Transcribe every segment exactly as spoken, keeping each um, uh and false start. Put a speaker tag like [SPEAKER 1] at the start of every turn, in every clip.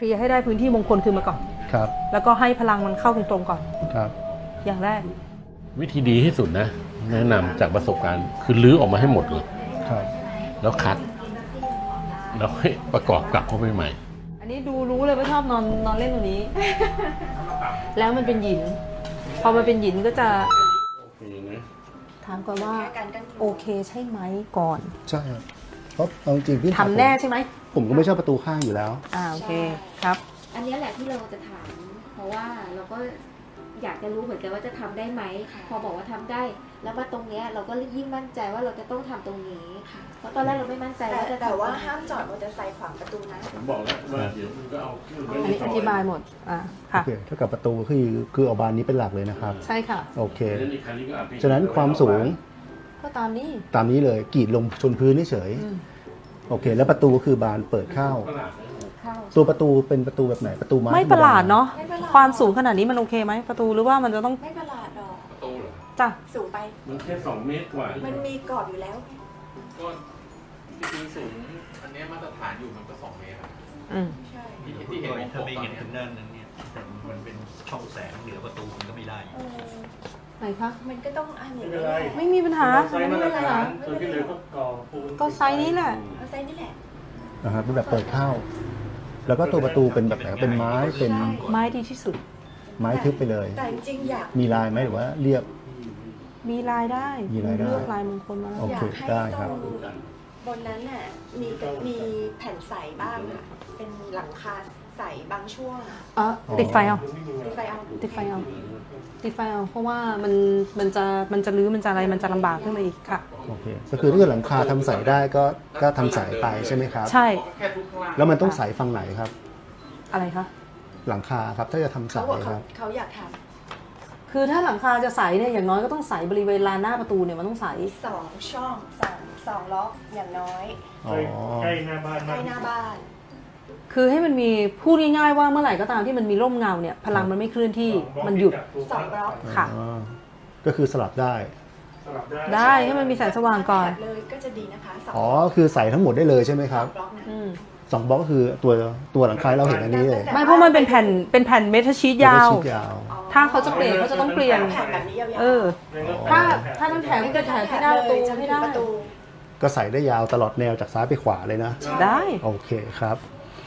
[SPEAKER 1] ลียร์ให้ได้พื้นที่มงคลคืนมาก่อน
[SPEAKER 2] ครับ
[SPEAKER 1] แล้วก็ให้พลังมันเข้าตรงๆก่อน
[SPEAKER 2] ครับ
[SPEAKER 1] อย่างแรก
[SPEAKER 3] วิธีดีที่สุดนะแนะนำจากประสบการณ์คือลื้อออกมาให้หมดเลย
[SPEAKER 2] ครับ
[SPEAKER 3] แล้วคัดแล้วให้ประกอบกลับเข้าไปใหม่
[SPEAKER 1] อันนี้ดูรู้เลยว่าชอบนอนนอนเล่นตรงนี้ แล้วมันเป็นหยินพอมันเป็นหยินก็จะถามก่อนว่าโอเคใช่ไหมก่อน
[SPEAKER 2] ใช่ครับเพราะเอาจริงพี่
[SPEAKER 1] ทำแน่ใช่ไหม
[SPEAKER 2] ผมก็ไม่ชอบประตูข้างอยู่แล้ว
[SPEAKER 1] อ่าโอเคครับ
[SPEAKER 4] อันนี้แหละที่เราจะถามเพราะว่าเราก็อยากจะรู้เหมือนกันว่าจะทำได้ไหมพอบอกว่าทำได้แล้วมาตรงนี้เราก็ยิ่งมั่นใจว่าเราจะต้องทำตรงนี้เพราะตอนแรกเราไม่มั่นใจว่าจะ
[SPEAKER 5] แต่ว่าห้ามจอดมอเตอร์ไซค์ขวางประตูนะ
[SPEAKER 3] ผมบอกแล้วว่าเดี๋ยวมันก็เอา
[SPEAKER 1] อันนี้อธิบายหมดอ่าค่ะ
[SPEAKER 2] โอเคเท่ากับประตูคือคือเอาบานนี้เป็นหลักเลยนะครับ
[SPEAKER 1] ใช่ค่ะ
[SPEAKER 2] โอเคฉะนั้นความสูง
[SPEAKER 1] ก็ตามนี้
[SPEAKER 2] ตามนี้เลยกรีดลงชนพื้นเฉยโอเคแล้วประตูก็คือบานเปิดเข้าตัวประตูเป็นประตูแบบไหนประตูไม้
[SPEAKER 1] ไม่ประหลาดเนาะความสูงขนาดนี้มันโอเคไหมประตูหรือว่ามันจะต้อง
[SPEAKER 5] ไม่ประหลาดหรอก
[SPEAKER 3] ประตูเหรอ
[SPEAKER 1] จ้ะ
[SPEAKER 5] สูงไป
[SPEAKER 3] มันแค่สองเมตรกว่า
[SPEAKER 5] มันมีกรอบอยู่แล้ว
[SPEAKER 6] ก็จริงๆสูงอันนี้มาตรฐานอยู่มันก็สองเมตร
[SPEAKER 1] อืม
[SPEAKER 5] ใช่
[SPEAKER 6] ที่เห็นถ้าไม่เห็นถึงนั่นนั้นเนี่ยมันเป็นช่องแสงเหนือประตูมันก็ไม่ได้
[SPEAKER 1] ไหนคะ
[SPEAKER 5] มันก็ต้องอันนี้
[SPEAKER 1] ไม่มีปัญหา
[SPEAKER 3] ไม่มีปัญหาส่วนที่เหลือก็ก่อปูน
[SPEAKER 1] ก็ไซส์นี้แหละ
[SPEAKER 5] ไซส์นี้แหละ
[SPEAKER 2] นะครับเป็นแบบเปิดเข้าแล้วก็ตัวประตูเป็นแบบไหนเป็นไม้เป็น
[SPEAKER 1] ไม้ดีที่สุด
[SPEAKER 2] ไม้ทึบไปเลย
[SPEAKER 5] แต่จริงอยาก
[SPEAKER 2] มีลายไหมหรือว่าเรียบ
[SPEAKER 1] มีลายได้
[SPEAKER 2] มีลายได้
[SPEAKER 1] เลือกลายมงคลมา
[SPEAKER 2] โอเคได้ครับ
[SPEAKER 5] บนนั้นน่ะมีมีแผ่นใสบ้างค่ะเป็นหลังคาใสบางช่วง
[SPEAKER 1] อ๋อติดไฟเอา
[SPEAKER 5] ติดไฟเอา
[SPEAKER 1] ติดไฟเอาติดไฟเอาเพราะว่ามันมันจะมันจะรื้อมันจะอะไรมันจะลำบากขึ้นมาอีกค่ะ
[SPEAKER 2] โอเคก็คือถ้าเกิดหลังคาทำใสได้ก็ก็ทำใสไปใช่ไหมครับ
[SPEAKER 1] ใช่
[SPEAKER 2] แล้วมันต้องใสฝั่งไหนครับ
[SPEAKER 1] อะไรคะ
[SPEAKER 2] หลังคาครับถ้าจะทำใสครับ
[SPEAKER 5] เขาอยากท
[SPEAKER 1] ำคือถ้าหลังคาจะใสเนี่ยอย่างน้อยก็ต้องใสบริเวณลานหน้าประตูเนี่ยมันต้องใส
[SPEAKER 5] สองช่องสองสองล็อกอย่างน้อย
[SPEAKER 3] ใกล้หน้าบ้าน
[SPEAKER 5] ใกล้หน้าบ้าน
[SPEAKER 1] คือให้มันมีพูดง่ายๆว่าเมื่อไหร่ก็ตามที่มันมีร่มเงาเนี่ยพลังมันไม่เคลื่อนที่มันหยุด
[SPEAKER 5] สองบล็อก
[SPEAKER 1] ค่ะ
[SPEAKER 2] ก็คือสลับได้
[SPEAKER 1] ได้ให้มันมีแสงสว่างก่อน
[SPEAKER 5] เลยก็จะดีนะคะ
[SPEAKER 2] อ๋อคือใส่ทั้งหมดได้เลยใช่ไหมครับสองบล็อกก็คือตัวตัวหลังคาเราเห็นอันนี้เลย
[SPEAKER 1] ไม่เพราะมันเป็นแผ่นเป็นแผ่นเมทัลชีทยาวถ้าเขาจะเปลี่ยนเขาจะต้องเปลี่ยนเออถ้าถ้าน้ำแข็งก็จะแข็งที่หน้าประตูไม่ได้
[SPEAKER 2] ก็ใส่ได้ยาวตลอดแนวจากซ้ายไปขวาเลยนะ
[SPEAKER 1] ได้
[SPEAKER 2] โอเคครับ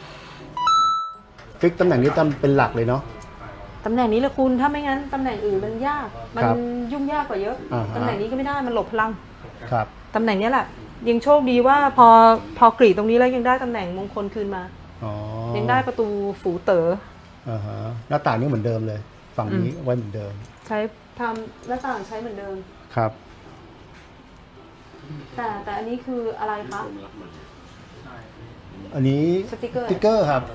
[SPEAKER 2] ฟิกตำแหน่งนี้จำเป็นหลักเลยเนาะ
[SPEAKER 1] ตำแหน่งนี้แหละคุณถ้าไม่งั้นตำแหน่งอื่นมันยากมันยุ่งยากกว่าเยอะตำแหน่งนี้ก็ไม่ได้มันหลบพลัง
[SPEAKER 2] ครับ
[SPEAKER 1] ตำแหน่งนี้แหละยังโชคดีว่าพอพอกรีดตรงนี้แล้วยังได้ตำแหน่งมงคลคืนมายังได้ประตูฝูเต๋อ
[SPEAKER 2] อ่าฮะหน้าต่างนี่เหมือนเดิมเลยฝั่งนี้ไว้เหมือนเดิม
[SPEAKER 1] ใช้ทำหน้าต่างใช้เหมือนเดิม
[SPEAKER 2] ครับ
[SPEAKER 1] แต่แต่อันนี้คืออะไรคะ
[SPEAKER 2] อันนี้
[SPEAKER 1] สติ๊กเกอร์
[SPEAKER 2] สติ๊กเกอร์ครับ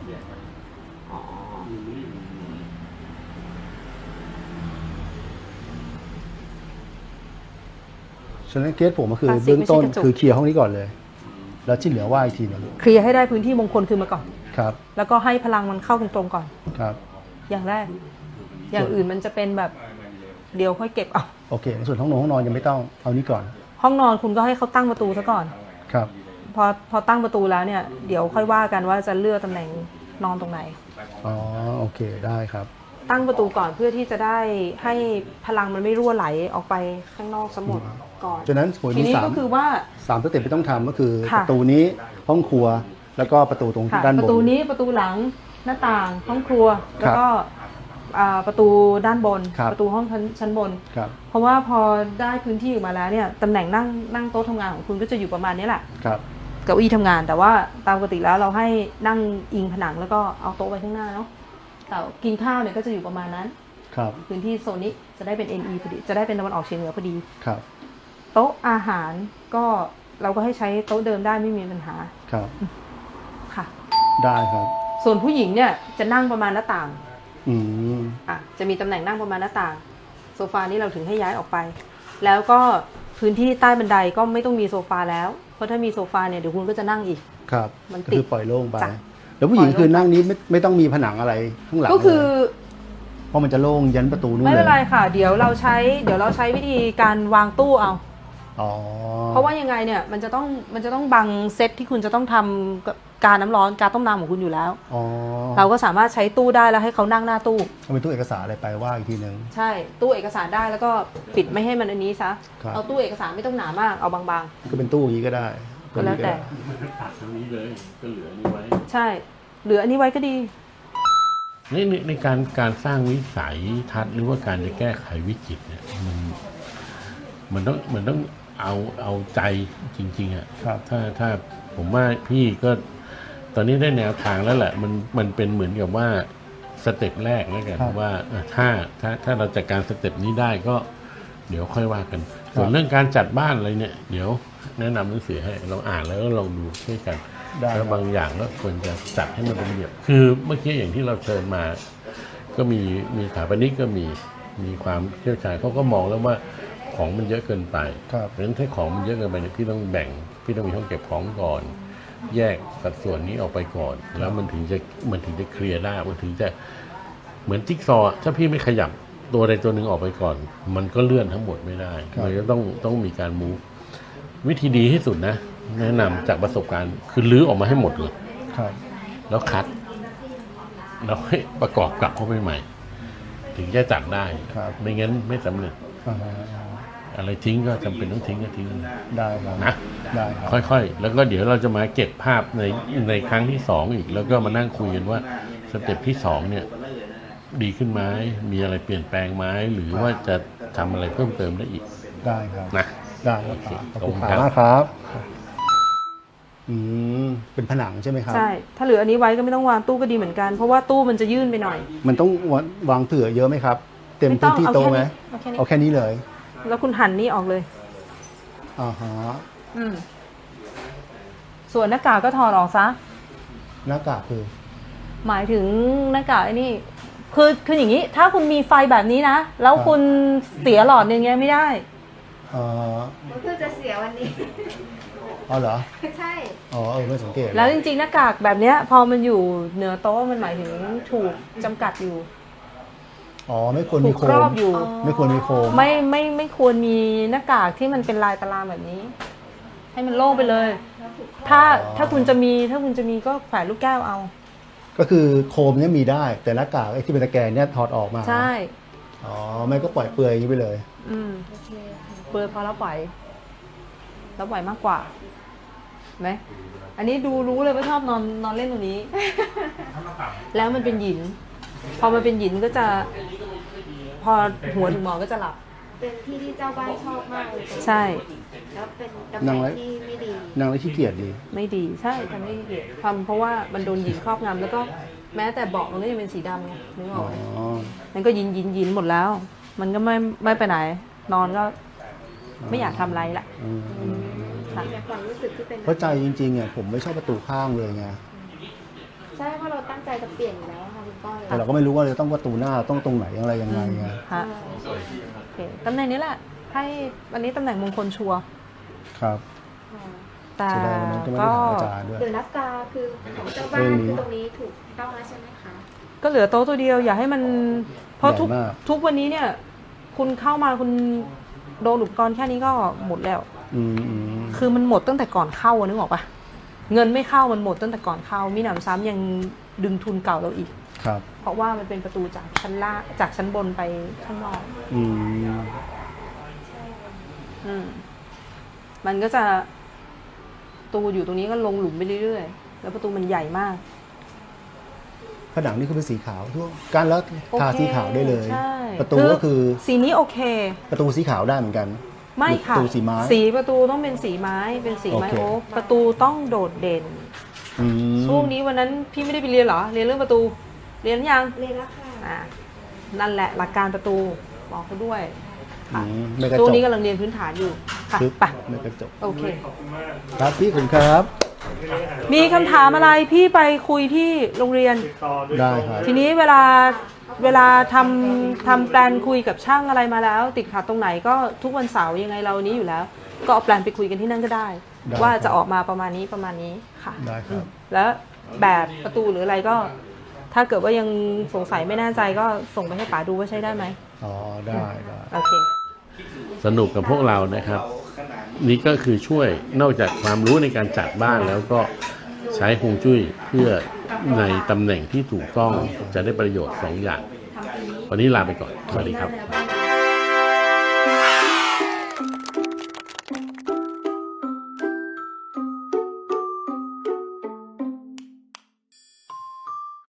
[SPEAKER 2] ฉะนั้นเคสผมก็คือเบื้องต้นคือเคลียร์ห้องนี้ก่อนเลยแล้วที่เหลือว่าอีกทีนึง
[SPEAKER 1] เคลียร์ให้ได้พื้นที่มงคลคืนมาก่อน
[SPEAKER 2] ครับ
[SPEAKER 1] แล้วก็ให้พลังมันเข้าตรงๆก่อน
[SPEAKER 2] ครับ
[SPEAKER 1] อย่างแรกอย่างอื่นมันจะเป็นแบบเดี๋ยวค่อยเก็บเอา
[SPEAKER 2] โอเคส่วนห้องนอนห้องนอนยังไม่ต้องเอานี้ก่อน
[SPEAKER 1] ห้องนอนคุณก็ให้เขาตั้งประตูซะก่อน
[SPEAKER 2] ครับ
[SPEAKER 1] พอพอตั้งประตูแล้วเนี่ยเดี๋ยวค่อยว่ากันว่าจะเลือกตำแหน่งนอนตรงไหน
[SPEAKER 2] อ๋อโอเคได้ครับ
[SPEAKER 1] ตั้งประตูก่อนเพื่อที่จะได้ให้พลังมันไม่รั่วไหลออกไปข้างนอกสมดก่อน
[SPEAKER 2] ฉะนั้น
[SPEAKER 1] ทีนี้ก็คือว่า
[SPEAKER 2] สามสเต็ปที่ต้องทำก็คือประตูนี้ห้องครัวแล้วก็ประตูตรงด้านบน
[SPEAKER 1] ประตูนี้ประตูหลังหน้าต่างห้องครัวแล้วก็ประตูด้านบนประตูห้องชั้นบนเพราะว่าพอได้พื้นที่ออกมาแล้วเนี่ยตำแหน่งนั่งนั่งโต๊ะทำงานของคุณก็จะอยู่ประมาณนี้แหละเก้าอี้ทำงานแต่ว่าตามปกติแล้วเราให้นั่งอิงผนังแล้วก็เอาโต๊ะไว้ข้างหน้าเนาะแต่กินข้าวเนี่ยก็จะอยู่ประมาณนั้นพื้นที่โซนนี้จะได้เป็น เอ็น อี พอดีจะได้เป็นตะวันออกเฉียงเหนือพอดีโต๊ะอาหารก็เราก็ให้ใช้โต๊ะเดิมได้ไม่มีปัญหา
[SPEAKER 2] ครับ
[SPEAKER 1] ค่ะ
[SPEAKER 2] ได้ครับ
[SPEAKER 1] ส่วนผู้หญิงเนี่ยจะนั่งประมาณหน้าต่าง
[SPEAKER 2] อืม
[SPEAKER 1] อ่ะจะมีตำแหน่งนั่งประมาณหน้าต่างโซฟานี้เราถึงให้ย้ายออกไปแล้วก็พื้นที่ใต้บันไดก็ไม่ต้องมีโซฟาแล้วเพราะถ้ามีโซฟาเนี่ยเดี๋ยวคุณก็จะนั่งอีก
[SPEAKER 2] ครับมันติดคือปล่อยโล่งไปแล้วผู้หญิงคือนั่งนี้ไม่ไม่ต้องมีผนังอะไรข้างหลัง
[SPEAKER 1] ก็คือ
[SPEAKER 2] เพราะมันจะโล่งยันประตูนู่น
[SPEAKER 1] ไม่เป็นไรค่ะเดี๋ยวเราใช้เดี๋ยวเราใช้วิธีการวางตู้เอาเพราะว่ายังไงเนี่ยมันจะต้องมันจะต้องบังเซตที่คุณจะต้องทำกาน้ำร้อนกาต้มน้ำของคุณอยู่แล้ว
[SPEAKER 2] อ๋อ
[SPEAKER 1] เราก็สามารถใช้ตู้ได้แล้วให้เขานั่งหน้าตู้
[SPEAKER 2] เอาเป็นตู้เอกสารอะไรไปว่าอีกทีหนึ่ง
[SPEAKER 1] ใช่ตู้เอกสารได้แล้วก็ปิดไม่ให้มันอันนี้ซะ
[SPEAKER 2] ครับ
[SPEAKER 1] เอาตู้เอกสารไม่ต้องหนามากเอาบาง
[SPEAKER 2] ก็เป็นตู้อย่างนี้ก็ได้
[SPEAKER 1] ก็แล้วแต่
[SPEAKER 3] ตัดตรงนี้เลยก็เหลือนี่ไว้
[SPEAKER 1] ๆ ใช่เหลืออันนี้ไว้ก็ดี
[SPEAKER 3] ในในในการการสร้างวิสัยทัศน์หรือว่าการจะแก้ไขวิกฤตเนี่ยมันมันต้องมันต้องเอาเอาใจจริงๆอ่ะ
[SPEAKER 2] ครับ
[SPEAKER 3] ถ้าถ้าผมว่าพี่ก็ตอนนี้ได้แนวทางแล้วแหละมันมันเป็นเหมือนกับว่าสเต็ปแรกแล้วกันว่าเออถ้าถ้าถ้าเราจัดการสเต็ปนี้ได้ก็เดี๋ยวค่อยว่ากัน ส่วนเรื่องการจัดบ้านอะไรเนี่ยเดี๋ยวแนะนำหนังสือให้เราอ่านแล้วก็ลองดูช่วยกัน
[SPEAKER 2] ได้
[SPEAKER 3] แล้วบางอย่างก็ควรจะจัดให้มันเป็นระเบียบคือเมื่อกี้อย่างที่เราเชิญมา ก็มีมีสถาปนิกก็มีมีความเชี่ยวชาญเขาก็มองแล้วว่าของมันเยอะเกินไป
[SPEAKER 2] ครับ
[SPEAKER 3] เพราะฉะนั้นถ้าของมันเยอะเกินไปเนี่ยพี่ต้องแบ่งพี่ต้องมีห้องเก็บของก่อน แยกสัดส่วนนี้ออกไปก่อน แล้วมันถึงจะมันถึงจะเคลียร์ได้มันถึงจะเหมือนจิ๊กซอว์อะถ้าพี่ไม่ขยับตัวใดตัวหนึ่งออกไปก่อน มันก็เลื่อนทั้งหมดไม่ได้
[SPEAKER 2] ครับ
[SPEAKER 3] มันก็ต้องต้องมีการมูฟวิธีดีที่สุดนะ แนะนำจากประสบการณ์คือรื้อออกมาให้หมดเลย
[SPEAKER 2] ครับ
[SPEAKER 3] แล้วคัดแล้วให้ประกอบกลับเข้าไปใหม่ ถึงจะจัดได้
[SPEAKER 2] ครับ
[SPEAKER 3] ไม่งั้นไม่สำเร็จ
[SPEAKER 2] อ่าฮะ
[SPEAKER 3] อะไรทิ้งก็จำเป็นต้องทิ้งก็ทิ้ง
[SPEAKER 2] ได้ครับ
[SPEAKER 3] นะ
[SPEAKER 2] ได้ครับ
[SPEAKER 3] ค่อยๆ แล้วก็เดี๋ยวเราจะมาเก็บภาพในในครั้งที่สองอีก แล้วก็มานั่งคุยกันว่าสเต็ปที่สองเนี่ยดีขึ้นไหมมีอะไรเปลี่ยนแปลงไหมหรือว่าจะทำอะไรเพิ่มเติมได้อีก
[SPEAKER 2] ได้ครับ
[SPEAKER 3] นะ
[SPEAKER 2] ได้ครับ
[SPEAKER 3] โอเค
[SPEAKER 2] ขอบ
[SPEAKER 3] ขอบคุ
[SPEAKER 2] คุณ
[SPEAKER 3] ณครับ
[SPEAKER 2] มากครับ อืม เป็นผนังใช่ไหมครับ
[SPEAKER 1] ใช่ถ้าเหลืออันนี้ไว้ก็ไม่ต้องวางตู้ก็ดีเหมือนกัน เพราะว่าตู้มันจะยื่นไปหน่อย
[SPEAKER 2] มันต้องวางวางเผื่อเยอะไหมครับ เต็ม
[SPEAKER 1] ไม่ต้
[SPEAKER 2] พื้
[SPEAKER 1] อน ง
[SPEAKER 2] ที่
[SPEAKER 1] เอา
[SPEAKER 2] โต๊ะ
[SPEAKER 1] แค่
[SPEAKER 2] ไหม
[SPEAKER 1] นี้เอาแค่นี้
[SPEAKER 2] เอาแค่นี้เลย
[SPEAKER 1] แล้วคุณหั่นนี่ออกเลย
[SPEAKER 2] อ่าฮะ
[SPEAKER 1] อืมส่วนหน้ากากก็ถอดออกซะ
[SPEAKER 2] หน้ากากคือ
[SPEAKER 1] หมายถึงหน้ากากไอ้นี่ คือคืออย่างนี้ ถ้าคุณมีไฟแบบนี้นะ แล้วคุณเสียหลอดอย่างเงี้ยไม่ได้
[SPEAKER 2] เอ่อ
[SPEAKER 4] มันเพิ่งจะเสียวันนี้
[SPEAKER 2] เอาเหรอ
[SPEAKER 4] ใช่
[SPEAKER 2] อ๋อเออไม่สังเกต
[SPEAKER 1] แล้วจริงๆหน้ากากแบบเนี้ย พอมันอยู่เหนือโต๊ะมันหมายถึงถูกจำกัดอยู่
[SPEAKER 2] อ๋อ ไม่ควร
[SPEAKER 1] ถู
[SPEAKER 2] มี
[SPEAKER 1] ก
[SPEAKER 2] โค
[SPEAKER 1] ครอ
[SPEAKER 2] ม
[SPEAKER 1] บอยู่
[SPEAKER 2] ไม่ควรมีโคม
[SPEAKER 1] ไม่ไม่ไม่ควรมีหน้ากากที่มันเป็นลายตารางแบบนี้ ให้มันโล่งไปเลย ถ้าถ้าคุณจะมีถ้าคุณจะมีก็แขวนลูกแก้วเอา
[SPEAKER 2] ก็คือโคมเนี่ยมีได้ แต่หน้ากากไอ้ที่เป็นตะแกรงเนี่ยถอดออกมา
[SPEAKER 1] ใช่
[SPEAKER 2] อ๋อ ไม่ก็ปล่อยเปลือยอย่างนี้ไปเลย
[SPEAKER 1] อืมเปลือยพอแล้วปล่อยแล้วปล่อยมากกว่าไหมอันนี้ดูรู้เลยว่าชอบนอนนอนเล่นตรงนี้ แล้วมันเป็นหยิน พอมันเป็นหยินก็จะ พอหัวถึงหมอนก็จะหลับ
[SPEAKER 4] เป็นที่ที่เจ้าบ้านชอบมากเลย
[SPEAKER 1] ใช่
[SPEAKER 4] แล้วเป็นตำแห
[SPEAKER 2] นั่
[SPEAKER 4] น่
[SPEAKER 2] ง
[SPEAKER 4] ง
[SPEAKER 2] ไว้
[SPEAKER 4] ที่ไม่ดี
[SPEAKER 2] นางแล้วขี้เกียจดี
[SPEAKER 1] ไม่ดีใช่ทำไม่ดีทำเพราะว่ามันโดนหยินครอบงำแล้วก็แม้แต่เบาะมันก็ยังเป็นสีดำไงนึกอ
[SPEAKER 2] อ๋
[SPEAKER 1] อ
[SPEAKER 2] อ
[SPEAKER 1] กไหมมันก็ยินยินยินหมดแล้ว มันก็ไม่ไม่ไปไหน นอนก็ไม่อยากทำอะไรละ
[SPEAKER 2] อืม
[SPEAKER 1] ค่ะ
[SPEAKER 4] ในความรู้สึกที่เป็น
[SPEAKER 2] เพราะใจจริงๆอ่ะผมไม่ชอบประตูข้างเลยไง
[SPEAKER 4] ใช่เพราะเราตั้งใจจะเปลี่ยนอยู่แล้วค่ะคุณก้อย
[SPEAKER 2] แต่เราก็ไม่รู้ว่าจะต้องประตูหน้าต้องตรงไหนอะไรยังไงไง
[SPEAKER 1] ฮะโอเคตำแหน่งนี้แหละ ให้วันนี้ตำแหน่งมงคลชัวร์
[SPEAKER 2] ครับ
[SPEAKER 1] แต่
[SPEAKER 2] เสียดายวันนั้นก็ไม่ได้
[SPEAKER 1] ก็
[SPEAKER 2] ถามอาจารย์ด้วย
[SPEAKER 4] เดี๋ยวนับกาคือของเจ้าบ้าน
[SPEAKER 2] เรื่องนี้
[SPEAKER 4] คือตรงนี้ถูกต้องแล้วใช่ไหมคะ
[SPEAKER 1] ก็เหลือโต๊ะตัวเดียว อย่าให้มัน เพราะทุก
[SPEAKER 2] ใหญ่มาก
[SPEAKER 1] ทุกวันนี้เนี่ย คุณเข้ามาคุณโดนอุปกรณ์แค่นี้ก็หมดแล้ว
[SPEAKER 2] อืมอืม
[SPEAKER 1] คือมันหมดตั้งแต่ก่อนเข้าอะนึกออกปะเงินไม่เข้ามันหมดตั้งแต่ก่อนเข้ามีหนำซ้ำยังดึงทุนเก่าเราอีก
[SPEAKER 2] ครับ
[SPEAKER 1] เพราะว่ามันเป็นประตูจากชั้นล่างจากชั้นบนไปข้างนอก
[SPEAKER 2] อืม
[SPEAKER 1] อืมมันก็จะประตูอยู่ตรงนี้ก็ลงหลุมไปเรื่อยๆแล้วประตูมันใหญ่มาก
[SPEAKER 2] ผนังนี่คือเป็นสีขาวทั่วการแล้วทา
[SPEAKER 1] โอเค
[SPEAKER 2] สีขาวได้เลย
[SPEAKER 1] ใช่
[SPEAKER 2] ประตูก็คือ
[SPEAKER 1] สีนี้โอเค
[SPEAKER 2] ประตูสีขาวได้เหมือนกัน
[SPEAKER 1] ไม่ค่ะ
[SPEAKER 2] ประตูสีไม้
[SPEAKER 1] สีประตูต้องเป็นสีไม้เป็นสีไม้
[SPEAKER 2] โอเค
[SPEAKER 1] โอ๊กประตูต้องโดดเด่น
[SPEAKER 2] อืม
[SPEAKER 1] ช่วงนี้วันนั้นพี่ไม่ได้ไปเรียนเหรอเรียนเรื่องประตู เรียนยัง
[SPEAKER 4] เรียนแล้วค่ะ
[SPEAKER 1] อ่านั่นแหละหลักการประตูบอกเขาด้วย
[SPEAKER 2] อื
[SPEAKER 1] ค่ะ
[SPEAKER 2] มไม่กระ
[SPEAKER 1] ช่วง
[SPEAKER 2] จก
[SPEAKER 1] นี้กำลังเรียนพื้นฐานอยู่ค่ะ
[SPEAKER 2] ปึ๊บ
[SPEAKER 1] ไป
[SPEAKER 2] ไม่กระจก
[SPEAKER 1] โอเค
[SPEAKER 2] ครับพี่คุณครับ
[SPEAKER 1] มีคำถามอะไรพี่ไปคุยที่โรงเรียน
[SPEAKER 2] ได้ครับ
[SPEAKER 1] ทีนี้เวลาเวลาทำทำแปลนคุยกับช่างอะไรมาแล้ว ติดขัดตรงไหนก็ทุกวันเสาร์ยังไงเรานี้อยู่แล้ว ก็เอาแปลนไปคุยกันที่นั่นก็ได้
[SPEAKER 2] ได้
[SPEAKER 1] ว่า
[SPEAKER 2] ครับ
[SPEAKER 1] จะออกมาประมาณนี้ประมาณนี้ค่ะ
[SPEAKER 2] ได้ครับ
[SPEAKER 1] อืมแล้วแบบประตูหรืออะไรก็ ถ้าเกิดว่ายังสงสัยไม่แน่ใจก็ส่งไปให้ป๋าดูว่าใช้ได้ไหม
[SPEAKER 2] อ๋อได้ได้
[SPEAKER 1] โอเค
[SPEAKER 3] สนุกกับพวกเรานะครับ นี่ก็คือช่วยนอกจากความรู้ในการจัดบ้านแล้วก็ใช้ช้ฮวงจุ้ยเพื่อในตำแหน่งที่ถูกต้องจะได้ประโยชน์สองอย่าง วันนี้ลาไปก่อนสวัสดีครับ